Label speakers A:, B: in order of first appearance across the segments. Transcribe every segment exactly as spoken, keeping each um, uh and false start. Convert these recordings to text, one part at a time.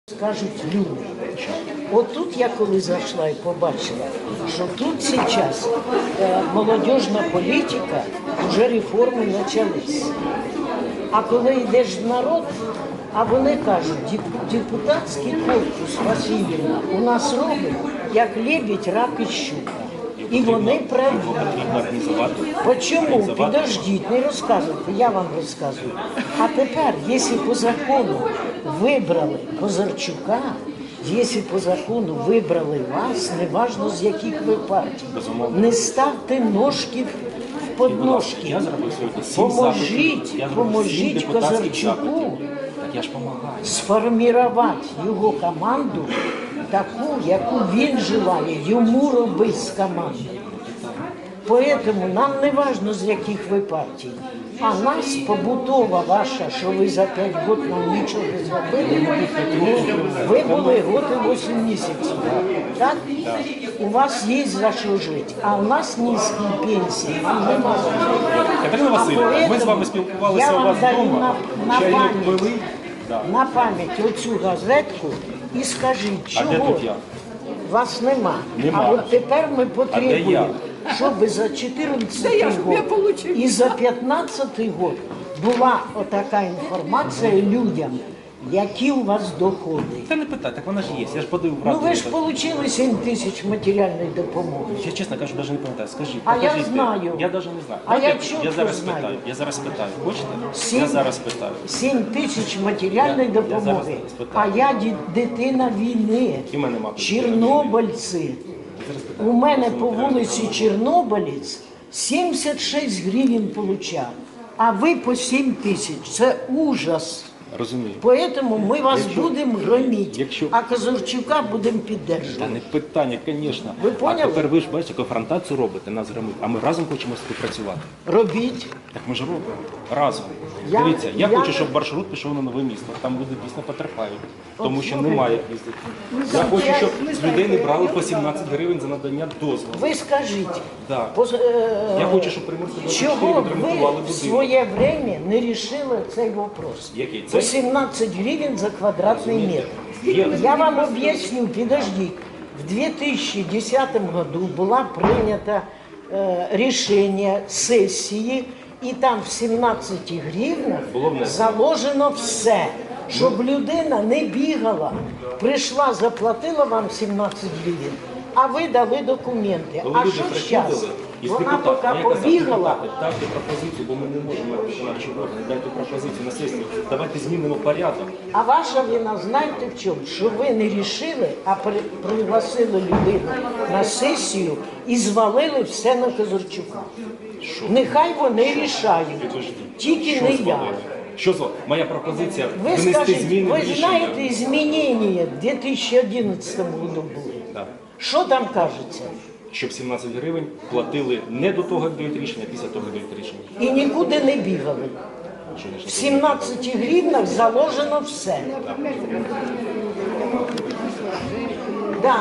A: Скажуть люди. От тут я коли зайшла і побачила, що тут зараз е, молодіжна політика, вже реформи почались. А коли йдеш в народ, а вони кажуть, «Деп- депутатський корпус Васильівна у нас робить, як лебідь, рак і щука. І вони праві. Почому? Підождіть, не розказуйте, я вам розказую. А тепер, якщо по закону вибрали Козарчука, якщо по закону вибрали вас, неважно з яких ви партій, не ставте ножки в подножки.
B: Я зробив сьогодні сім
A: Поможіть,
B: запитів. Я зробив сім
A: поможіть
B: депутатських
A: Козарчуку
B: запитів. Так я ж допомагаю.
A: сформувати його команду таку, яку він желає йому робити з командою. Поэтому нам не важно, з яких ви партій. А нас побутова ваша, що ви за п'ять років нам нічого не зробили, ви були год і вісім місяців. Так? У вас є за що жити, а у нас низькі пенсії, нам немає.
B: Катерина Васильівна, ми з вами спілкувалися у вас вдома,
A: на
B: чайник
A: пам'ять,
B: пили. Да.
A: на пам'ять оцю газетку і скажіть,
B: А де
A: чого
B: тут я?
A: вас нема.
B: Нема.
A: А от тепер ми
B: А
A: потребуємо,
B: де
A: щоб за чотирнадцятий год і за п'ятнадцятий год була отака інформація людям, які у вас доходи.
B: Це не питай, так вона ж є. Я ж подивив
A: Ну
B: правду.
A: ви ж отримали сім тисяч матеріальної допомоги.
B: Я чесно кажу, навіть не пам'ятаю. Скажіть,
A: А я
B: покажіть, де.
A: знаю.
B: Я навіть не знаю.
A: А я
B: я,
A: чітко
B: я зараз
A: знаю.
B: питаю. Я зараз питаю. Хочете?
A: Сім-
B: Я зараз питаю.
A: сім тисяч матеріальної
B: Я- я
A: допомоги.
B: зараз
A: А
B: спитаю.
A: я ді- дитина війни.
B: І в мене мати.
A: Чорнобильці. У мене по вулиці Чорнобилець сімдесят шість гривень получав, а ви по сім тисяч. Це ужас.
B: Розумію.
A: Поэтому ми вас будемо громити,
B: якщо-
A: а Козарчука будемо
B: Та
A: підтримувати.
B: не питання, звісно.
A: Ви поняли?
B: А тепер ви ж бачите, конфронтацію робите, нас громить. А ми разом хочемо співпрацювати.
A: Робіть.
B: Так ми ж робимо разом.
A: Я-
B: Дивіться, я,
A: я-
B: хочу, щоб маршрут пішов на нове місто. Там люди дійсно потерпають, тому що
A: слухайте.
B: немає як їздити. Я хочу, щоб з людей не брали по сімнадцять гривень за надання дозволу.
A: Ви скажіть,
B: Да.
A: поз- е,
B: Я хочу, щоб Приморська двадцять чотири
A: чого
B: відремонтували
A: ви в
B: будинок.
A: своє время не рішили цей вопрос?
B: Який?
A: По
B: Цей?
A: сімнадцять гривень за квадратний метр.
B: Є.
A: Я вам об'ясню, підождіть. В дві тисячі десятому году була прийнята е, рішення сесії, і там в сімнадцяти гривнах
B: Було внесено.
A: заложено все, щоб людина не бігала, прийшла, заплатила вам сімнадцять гривень, а ви дали документи.
B: Коли
A: А
B: люди
A: що
B: приходили
A: зараз?
B: із
A: Вона
B: депутатами,
A: поки
B: я казав,
A: побігала.
B: депутати, дайте пропозицію, бо ми не можемо як виконавчий орган, дайте пропозицію на сесію, давайте змінимо порядок.
A: А ваша вина, знаєте в чому? Що ви не рішили, а при, пригласили людину на сесію і звалили все на Козарчука. Нехай вони рішають,
B: Підождіть.
A: тільки
B: Що
A: не я.
B: звалили? Що зла? Моя пропозиція
A: Ви
B: внести
A: скажіть,
B: зміни в
A: ви
B: рішення.
A: знаєте, змінення в дві тисячі одинадцятому году були.
B: Так.
A: Що там кажеться?
B: Щоб сімнадцять гривень платили не до того, як дають рішення, а після того, як дають рішення.
A: І нікуди не бігали.
B: Чи не
A: В сімнадцяти гривнах заложено все. Да.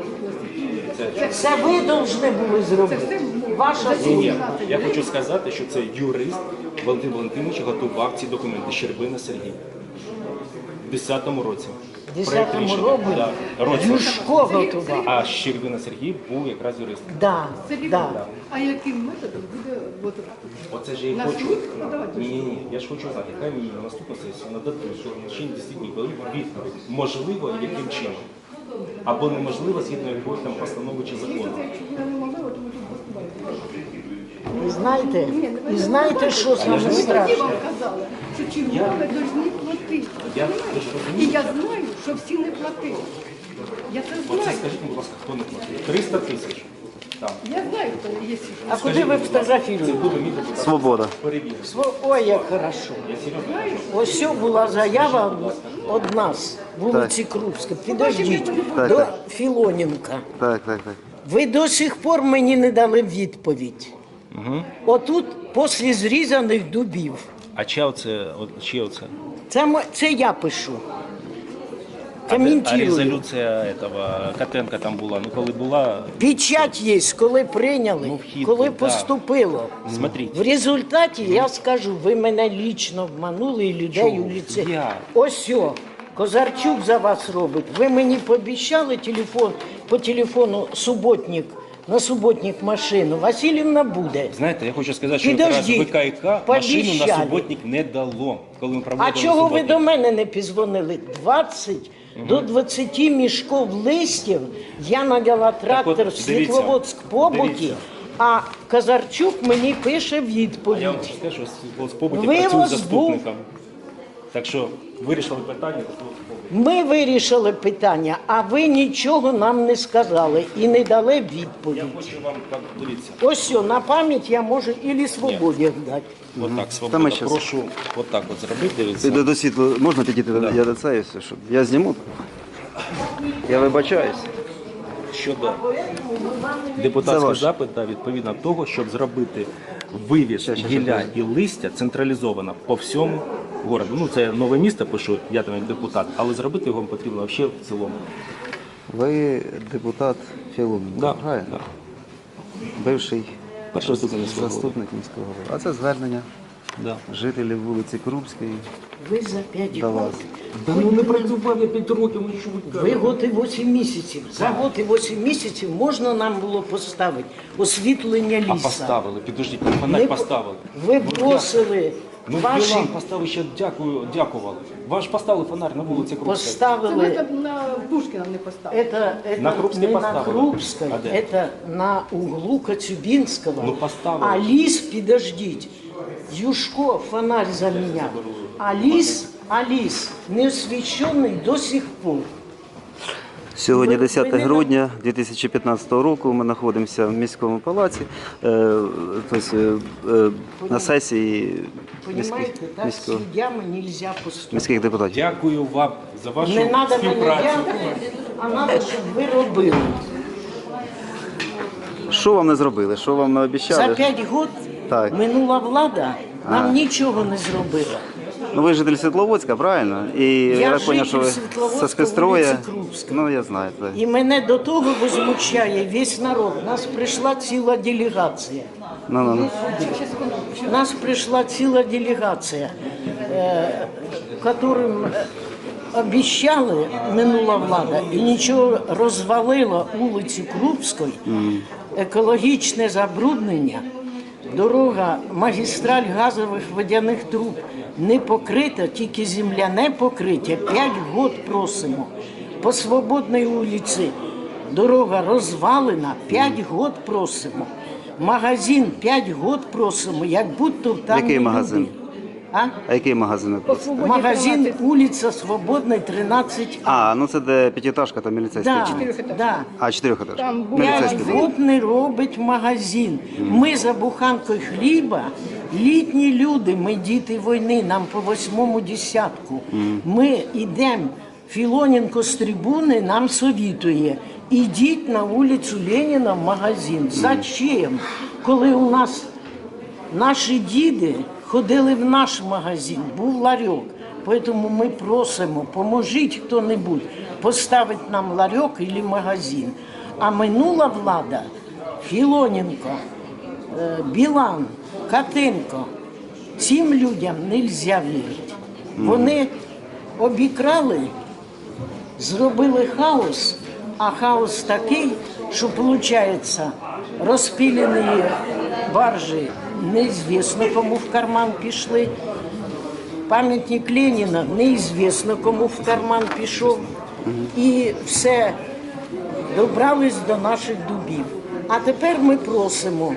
A: Це ви повинні були зробити. Ваша
B: Ні, ні,
A: служба.
B: я хочу сказати, що це юрист Валентин Валентинович готував ці документи. Щербина Сергій. В десятому році.
A: В
B: Проект
A: десятому
B: рішення.
A: році
B: Да. Році.
A: Юшко готував.
B: А Щербина Сергій був якраз юристом.
A: Да, да.
C: А яким методом буде от,
B: Оце ж я і
C: На
B: хочу.
C: суд подавати?
B: Ні, ні, ні. Я ж хочу знати, яка мені на наступну сесію нададуть, що в течение десять днів, коли відповідь, можливо, яким чином. Або неможливо, згідно якоїсь там постанови чи закону.
A: І знаєте, і знаєте, що саме
C: Тоді
A: страшне?
C: вам казали, що чергове повинні платити.
B: Я ви ж
C: І
B: розумієте?
C: я знаю, що всі не платили. Я це
B: Оце
C: знаю.
B: скажіть, будь ласка, хто не платить? триста тисяч. Там.
C: Я знаю, хто є.
A: А куди ви
B: Це
A: фотографіруєте?
B: буде мій депутат.
D: Свобода.
B: Перевірити.
A: Сво- Ой, як хорошо.
B: Я серйозно.
A: Ось цю була заява від нас, вулиці Крупська. Підождіть,
D: Так,
A: до
D: так.
A: Філоненка.
D: Так, так, так.
A: Ви до сих пор мені не дали відповідь. Отут, після зрізаних дубів.
B: А чия оце? от- Чия оце?
A: Це, мо- це я пишу.
B: А
A: Коментую.
B: резолюція этого Котенка там була. Ну коли була,
A: Печать є, коли прийняли,
B: Ну, вхід,
A: коли
B: да.
A: поступило.
B: смотрите.
A: В результаті я скажу, ви мене лічно обманули і людей
B: Чого?
A: у ліце.
B: Я?
A: Ось о, Козарчук за вас робить. Ви мені пообіцяли телефон, по телефону суботник, на суботник машину. Васильівна буде.
B: Знаєте, я хочу сказати, що якраз
A: Підождіть,
B: ВКК машину на
A: пообіцяли.
B: суботник не дало, коли ми
A: А
B: проводили
A: чого ви
B: суботник.
A: до мене не позвонили? двадцять до двадцяти мішків листів я наняла трактор
B: от,
A: в
B: дивіться,
A: Світловодськ побуті,
B: дивіться.
A: а Козарчук мені пише
B: А я вам
A: відповідь.
B: скажу, що Світловодськ побуті
A: Вивоз
B: працює
A: був.
B: заступником. Так що вирішили питання, то Світловодськ побуті.
A: Ми вирішили питання, а ви нічого нам не сказали і не дали
B: Я
A: відповідь.
B: хочу вам, так, дивіться,
A: Ось все, на пам'ять я можу і свободі дати.
B: отак,
D: Та
B: свобода,
D: ми щас.
B: прошу отак от зробити, дивіться.
D: Піде до світла, можна підійти до я до це, все, щоб я зніму. Я вибачаюсь.
B: Щодо
D: Це
B: депутатський
D: ваше.
B: запит, да, відповідно того, щоб зробити вивіз
D: Щас, щас,
B: гілля
D: щас.
B: і листя централізовано по всьому городу. Ну, це нове місто, пишу, я там як депутат, але зробити його потрібно взагалі в цілому.
D: Ви депутат Філоненко,
B: Да,
D: правильно?
B: да.
D: Бивший
B: Перший заступник міського голови.
D: заступник міського голови. А це звернення
B: Да.
D: жителів вулиці Крупської
A: Ви за п'ять
D: до вас.
A: років.
B: Да ну не працював я п'ять років, ну що ви
A: Ви год і вісім місяців. За год і вісім місяців можна нам було поставити освітлення
B: А
A: ліса.
B: поставили, підождіть,
A: Ми
B: фонарь
A: по-
B: поставили.
A: Ви просили
B: Ну,
A: ваші
B: Білан поставив ще дякую, дякували. Ваш поставили фонарь на вулиці Крупської.
C: Це ми
A: поставили.
C: там на Пушкіна не поставили.
A: Это, это
B: На Крупской
A: не на
B: поставили.
A: Крупской,
B: А де?
A: это на углу Коцюбинского.
B: Ну, поставили.
A: А лис, подождите, Юшко фонарь заменял. А лис, а лис не освещенный до сих пор.
D: Сьогодні
A: Ви- ви
D: десяте
A: не
D: грудня дві тисячі п'ятнадцятого року. Ми знаходимося в міському палаці, е, тобто, е, е, на сесії міських,
A: Понимаете, так с
D: міського,
A: людьми нельзя поступать.
D: міських депутатів.
B: Дякую вам за вашу
A: Не треба мене
B: співпрацю.
A: дякувати, а треба, щоб ви робили.
D: Що вам не зробили? Що вам не
A: За
D: обіцяли?
A: п'ять років
D: Так.
A: минула влада нам
D: А.
A: нічого не зробила.
D: Ну ви житель Світловодська, правильно? І я, так зрозумів, що ви
A: житель Світловодська,
D: з спецстроя.
A: вулиці Крупська.
D: Ну я знаю. Так.
A: І мене до того возмущає весь народ. Нас прийшла ціла делегація.
D: Ну, ну, ну.
A: Нас прийшла ціла делегація, е, которым е, обіцяли минула влада і нічого, розвалила вулицю Крупської, екологічне забруднення, дорога, магістраль газових водяних труб не покрита, тільки земляне покриття. П'ять год просимо. По Свободній вулиці дорога розвалена, п'ять год просимо. Магазин п'ять год просимо, як будто там
D: Який
A: не
D: магазин?
A: люди. А?
D: А який магазин? ви просите?
A: Магазин вулиця Свободна, тринадцять А.
D: А, ну це де п'ятиэтажка, там міліцейський.
A: Да,
C: Чотирьохетажний.
A: да.
D: А, чотирьохетажка.
C: Там був
A: П'ять
D: Міліцейський.
A: год не робить магазин. Ми за буханкою хліба, літні люди, ми діти війни, нам по восьмому десятку. Ми йдемо, Філоненко з трибуни нам совітує, ідіть на вулицю Леніна в магазин. Зачем? Коли у нас наші діди ходили в наш магазин, був ларьок. Тому ми просимо, поможіть хто-небудь поставити нам ларьок або магазин. А минула влада, Філоненко, е, Білан, Катенко, цим людям не можна вірити. Вони обікрали, зробили хаос, а хаос такий, що виходить, розпилені баржі, неізвісно кому в карман пішли. Пам'ятник Леніна, неізвісно кому в карман пішов. І все, добрались до наших дубів. А тепер ми просимо.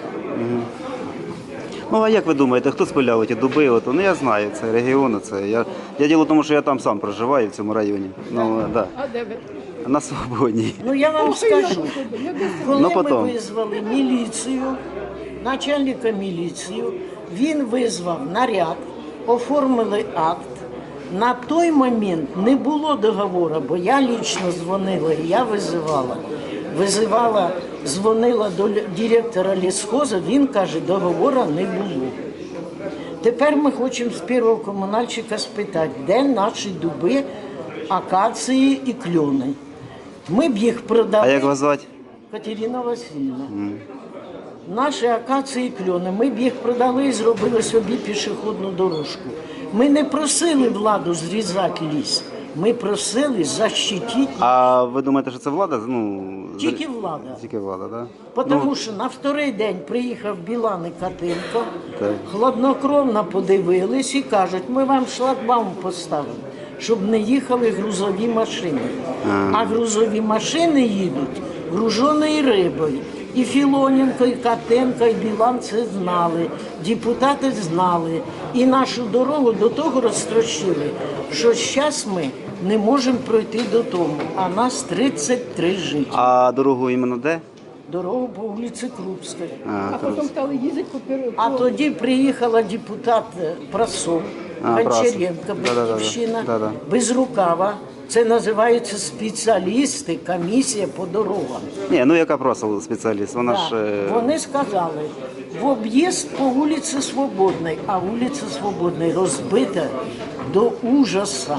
D: Ну а як ви думаєте, хто спиляв ті дуби? От, ну я знаю, це регіон, це. Я, я діло в тому, що я там сам проживаю, в цьому районі. Ну, да.
C: А де ви?
D: На Свободній.
A: Ну я вам скажу, коли
D: Ну,
A: ми
D: потім.
A: визвали міліцію, начальника міліції, він визвав наряд, оформили акт. На той момент не було договору, бо я лічно дзвонила, і я визивала. Визивала, дзвонила до лі- директора лісхозу, він каже, договору не було. Тепер ми хочемо з першого комунальщика спитати, де наші дуби, акації і кльони. Ми б їх продали.
D: А як вас звати?
A: Катерина Васильівна. Наші акації і кльони, ми б їх продали і зробили собі пішохідну дорожку. Ми не просили владу зрізати ліс. Ми просили защитити
D: А ви думаєте, що це влада? Ну,
A: тільки влада.
D: Тільки влада, так? Да?
A: Тому що на вторий день приїхав Білан і Катенко,
D: Так.
A: хладнокровно подивились і кажуть, ми вам шлагбаум поставимо, щоб не їхали грузові машини. А грузові машини їдуть груженою рибою. І Філоненко, і Катенко, і Білан це знали, депутати знали. І нашу дорогу до того розтрощили, що зараз ми не можемо пройти додому, а нас тридцять три жителі.
D: А дорогу іменно де?
A: Дорогу по вулиці Крупської.
C: А потім стали їздити по пер-
A: А
C: по-
A: тоді приїхала депутат е, Прасов,
D: А,
A: Гончаренко,
D: Прасов. Да-да-да.
A: Батьківщина,
D: Да-да.
A: Безрукава. Це називаються спеціалісти, комісія по дорогам.
D: Ні, ну яка просто спеціаліст, вона ж...
A: Так.
D: е,
A: Вони сказали, в об'їзд по вулиці Свободної, а вулиця Свободної розбита до ужаса.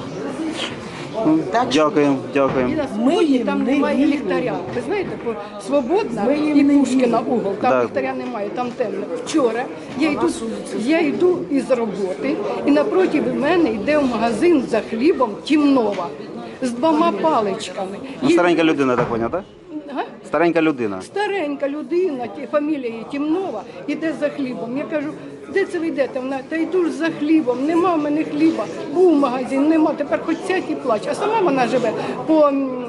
A: Так що
D: Дякуємо, дякуємо.
C: І на
A: Ми
C: Свободній
A: їм
C: там
A: не
C: немає
A: віримо.
C: ліхтаря. Ви знаєте, по Свободна
A: Ми їм
C: і
A: не
C: Пушкіна
A: віримо.
C: угол, там
D: Так.
C: ліхтаря немає, там темно. Вчора я йду, я йду із роботи, і напроти мене йде в магазин за хлібом Тімнова з двома паличками.
D: Ну,
C: Є-
D: старенька людина, так поняв, так?
C: Га?
D: Старенька людина.
C: Старенька людина, ті- фамілія її Тімнова, іде за хлібом. Я кажу, де це ви йдете? Вона, та йду ж за хлібом, нема в мене хліба. Був магазин, нема, тепер хоч сядь і плач. А сама вона живе по, м,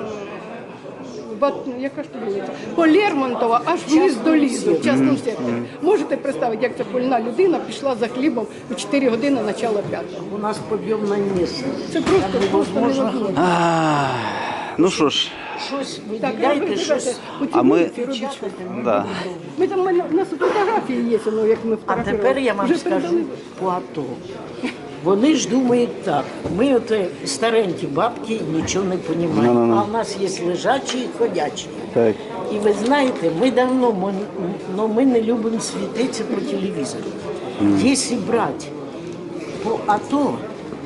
C: Бат- яка ж то вулиця? По Лермонтова, аж вниз до лісу, в частному секторі. Можете представити, як ця больна людина пішла за хлібом у чотири години начала п'ятого.
A: у нас підйомне місце.
C: Це просто,
A: Там
C: просто
A: невозможно
C: невозможно.
D: А, ну що ж,
A: щось
C: Так,
A: виділяйте,
C: ви
A: щось.
C: знаєте, у цій
D: А ми-
C: вулиці робіть що.
D: да.
C: Ми там, у мене- у нас фотографії є, ну, як ми
A: А
C: фотографували.
A: тепер я вам
C: Вже
A: скажу
C: передали.
A: по АТО. Вони ж думають так, ми от старенькі бабки нічого не розуміємо,
D: Ну-ну-ну.
A: а в нас є лежачі і ходячі.
D: Так.
A: І ви знаєте, ми давно ми, но ми не любимо світитися по телевізору. Якщо брати по АТО,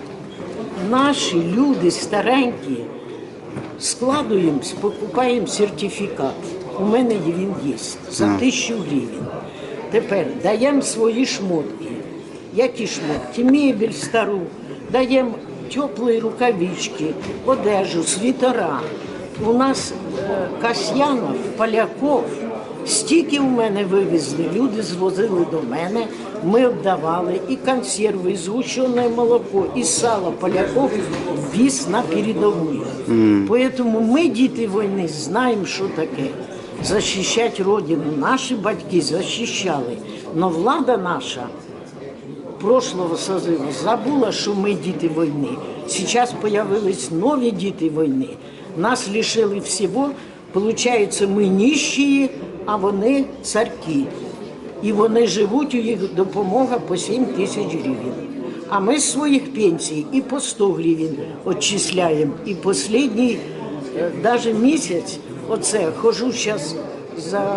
A: наші люди старенькі складуємо, покупаємо сертифікат. У мене він є за тисячу гривень. Тепер даємо свої шмотки. Які шмотки? Мебель стару, даємо теплі рукавички, одежу, світера. У нас е, Касьянов, Поляков, стільки у мене вивезли, люди звозили до мене, ми віддавали і консерви, і згущене молоко, і сало Поляков віз на передову. Тому ми, діти війни, знаємо, що таке. Захищати Родину. Наші батьки захищали, але влада наша прошлого созыва забула, що ми діти війни. Зараз з'явились нові діти війни. Нас лишили всього. Получається, ми нищі, а вони царки. І вони живуть, у їх допомога по сім тисяч гривень. А ми з своїх пенсій і по сто гривень відчисляємо. І останній навіть місяць, оце, хожу зараз за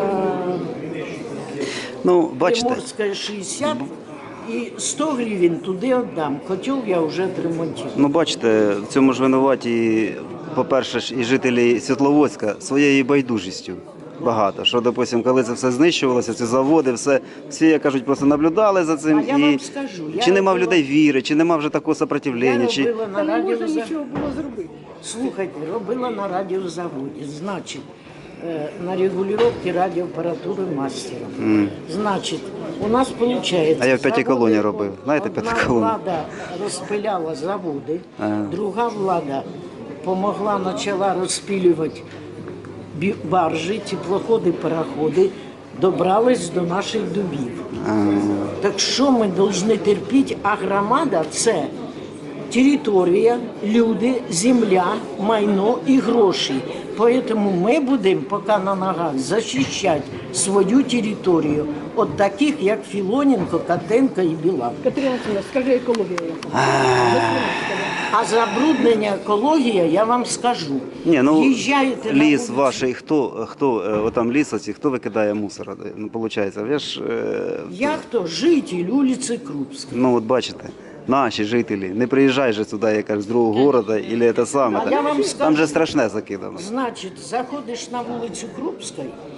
D: Ну, бачите,
A: Приморська шістдесят, і сто гривень туди віддам. Котел я вже відремонтую.
D: ну бачите, в цьому ж винуваті, по-перше, ж і жителі Світловодська своєю байдужістю. Багато. Що, допустим, коли це все знищувалося, ці заводи, все, всі, як кажуть, просто наблюдали за цим.
A: А я
D: і
A: вам скажу, я
D: чи нема в
A: робила-
D: людей віри, чи нема вже такого
A: Я
D: сопротивлення, чи...
A: робила
C: Та
A: на
C: не можна
A: радіозаводі.
C: нічого було зробити.
A: Слухайте, робила на радіозаводі. Значить, е, на регулювання радіоапаратури мастером. Значить, у нас виходить...
D: А я в п'ятій
A: заводи-
D: колоні робив. Знаєте,
A: одна
D: п'ята колона?
A: влада розпиляла заводи,
D: Ага.
A: друга влада помогла, почала розпилювати бі- баржі, теплоходи, пароходи, добрались до наших дубів. Так що ми повинні терпіти, а громада – це територія, люди, земля, майно і гроші. Тому ми будемо поки на ногах захищати свою територію від таких, як Філоненко, Катенко і Білан.
C: Катерина Олексійовна, скажи екологія. яка.
A: А забруднення екологія, я вам скажу.
D: Ні, ну,
A: Їжджаєте на
D: ліс
A: вулицю.
D: ваш, і хто, хто е, отам ліс оці, хто викидає мусор? Ну, виходить, ви ж, е,
A: Я хто? Житель вулиці Крупської.
D: ну, от бачите, наші жителі, не приїжджай же сюди, якась з другого города, і це саме.
A: А
D: так.
A: я вам
D: Там
A: скажу.
D: же страшне закидано.
A: Значить, заходиш на вулицю Крупської,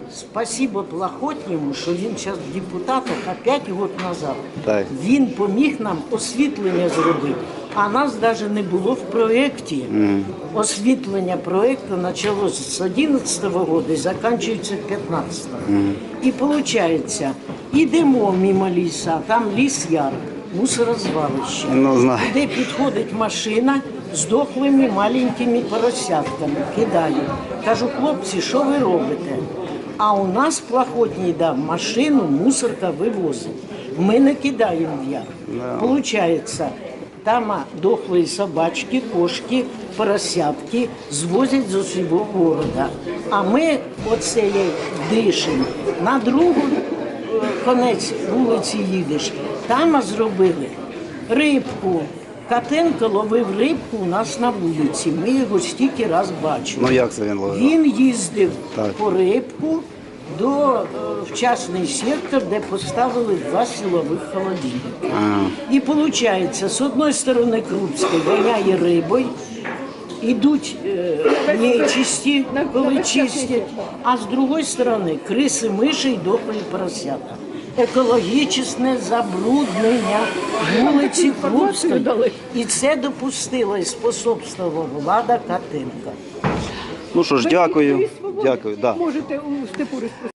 A: спасибо Плохотньому, що він зараз в депутатах, а п'ять років назад
D: Так.
A: він поміг нам освітлення зробити. А нас навіть не було в проєкті. Освітлення проєкту почалося з одинадцятого року і закінчується п'ятнадцятого. І виходить, йдемо мимо ліса, там ліс яр, мусорозвалище.
D: Ну, знаю.
A: Де підходить машина з дохлими маленькими поросятками, кидає. Кажу, хлопці, що ви робите? А у нас Плохотній дав машину, мусорка вивозить. Ми не кидаємо в яр. Получається, там а, дохлі собачки, кошки, поросятки звозять з усього города. А ми оце дишимо. На другу е, конець вулиці їдеш. Там а, зробили рибку. Катенко ловив рибку у нас на вулиці. Ми його стільки раз бачили.
D: Ну як це він ловив?
A: Він їздив
D: Так.
A: по рибку до е, в частний сектор, де поставили два силових холодильника.
D: Ага.
A: І виходить, з одної сторони Крупський воняє рибою, ідуть е, нечисті, коли чистять, а з другої сторони криси, миші і дохлі поросята. Екологічне забруднення вулиці Крупської. І це допустила і способствувала влада Катенка.
D: Ну що ж,
C: Ви
D: дякую.
C: і свободи
D: Дякую. Да.
C: можете у степу розпустити.